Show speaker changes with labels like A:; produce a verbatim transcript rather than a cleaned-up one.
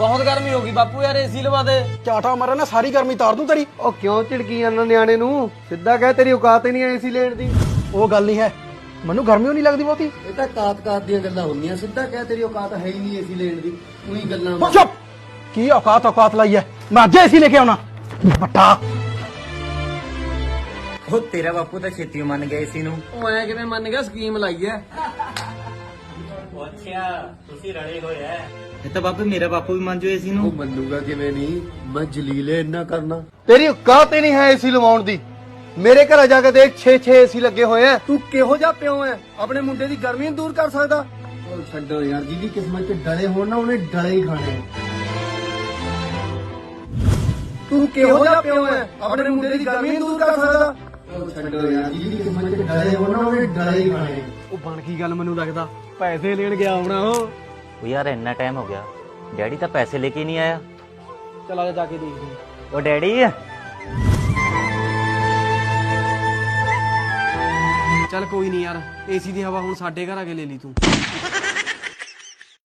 A: बहुत गर्मी होगी बापू यार एसी लवा दे।
B: ਝਾਟਾ ਮਾਰੇ ਨਾ ਸਾਰੀ ਗਰਮੀ ਤਾਰ ਦੂੰ ਤੇਰੀ।
C: ਉਹ ਕਿਉਂ ਝਿੜਕੀ ਜਾਂਦਾ ਨਿਆਣੇ ਨੂੰ? ਸਿੱਧਾ ਕਹਿ ਤੇਰੀ ਔਕਾਤ ਹੀ ਨਹੀਂ ਏਸੀ ਲੈਣ ਦੀ।
B: ਉਹ ਗੱਲ ਨਹੀਂ ਹੈ, ਮੈਨੂੰ ਗਰਮੀ ਓ ਨਹੀਂ ਲੱਗਦੀ ਬਹੁਤੀ।
C: ਇਹ ਤਾਂ ਕਾਤ ਕਾਤ ਦੀਆਂ ਗੱਲਾਂ ਹੁੰਦੀਆਂ। ਸਿੱਧਾ ਕਹਿ ਤੇਰੀ ਔਕਾਤ ਹੈ ਹੀ ਨਹੀਂ ਏਸੀ ਲੈਣ ਦੀ। ਉਹੀ ਗੱਲਾਂ
B: ਉਹ ਚੁੱਪ, ਕੀ ਔਕਾਤ ਔਕਾਤ ਲਾਈ ਹੈ? ਮੈਂ ਅੱਜ ਏਸੀ ਲੈ ਕੇ ਆਉਣਾ ਬੱਟਾ।
D: ਉਹ ਤੇਰਾ ਬਾਪੂ ਤਾਂ ਛੇਤੀ ਮੰਨ ਗਿਆ ਏਸੀ ਨੂੰ।
A: ਉਹ ਐ ਕਿਵੇਂ ਮੰਨ ਗਿਆ? ਸਕੀਮ ਲਾਈ ਐ।
D: ਅੱਛਾ ਤੁਸੀਂ ਰਲੇ ਹੋਏ ਐ। ਇਹ ਤਾਂ ਬਾਪੂ ਮੇਰਾ ਬਾਪੂ ਵੀ ਮੰਨ ਜੋ ਏਸੀ ਨੂੰ।
C: ਉਹ ਮੰਨੂਗਾ ਕਿਵੇਂ ਨਹੀਂ? ਮੈਂ ਜਲੀਲੇ ਇੰਨਾ ਕਰਨਾ। ਤੇਰੀ ਔਕਾਤ ਹੀ ਨਹੀਂ ਹੈ ਏਸੀ ਲਵਾਉਣ ਦੀ। ਮੇਰੇ ਘਰ ਜਾ ਕੇ ਦੇਖ ਛੇ ਛੇ ਏਸੀ ਲੱਗੇ ਹੋਏ ਆ। ਤੂੰ ਕਿਹੋ ਜਿਹਾ ਪਿਓ ਐ? ਆਪਣੇ ਮੁੰਡੇ ਦੀ ਗਰਮੀ ਨੂੰ ਦੂਰ ਕਰ ਸਕਦਾ? ਉਹ ਛੱਡੋ ਯਾਰ, ਜਿਹਦੀ ਕਿਸਮਤ 'ਚ ਡਲੇ ਹੋਣ ਨਾ ਉਹਨੇ ਡਲੇ ਹੀ ਖਾਣੇ। ਤੂੰ ਕਿਹੋ ਜਿਹਾ ਪਿਓ ਐ? ਆਪਣੇ ਮੁੰਡੇ ਦੀ ਗਰਮੀ ਨੂੰ ਦੂਰ ਕਰ ਸਕਦਾ? ਉਹ ਛੱਡੋ ਯਾਰ, ਜਿਹਦੀ ਕਿਸਮਤ 'ਚ ਡਲੇ ਹੋਣ ਨਾ ਉਹਨੇ ਡਲੇ ਹੀ ਖਾਣੇ।
B: ਉਹ ਬਣ ਕੀ ਗੱਲ, ਮੈਨੂੰ ਲੱਗਦਾ ਪੈਸੇ ਲੈਣ ਗਿਆ ਹੋਣਾ ਉਹ।
D: ਉਹ ਯਾਰ ਇੰਨਾ ਟਾਈਮ ਹੋ ਗਿਆ, ਡੈਡੀ ਤਾਂ ਪੈਸੇ ਲੈ ਕੇ ਨਹੀਂ ਆਇਆ।
B: ਚਲਾ ਜਾ ਕੇ ਦੇਖਦੇ।
D: ਉਹ ਡੈਡੀ
A: ਚੱਲ ਕੋਈ ਨਹੀਂ ਯਾਰ, ਏਸੀ ਦੀ ਹਵਾ ਹੁਣ ਸਾਡੇ ਘਰ ਆ ਕੇ ਲੈ ਲਈ ਤੂੰ।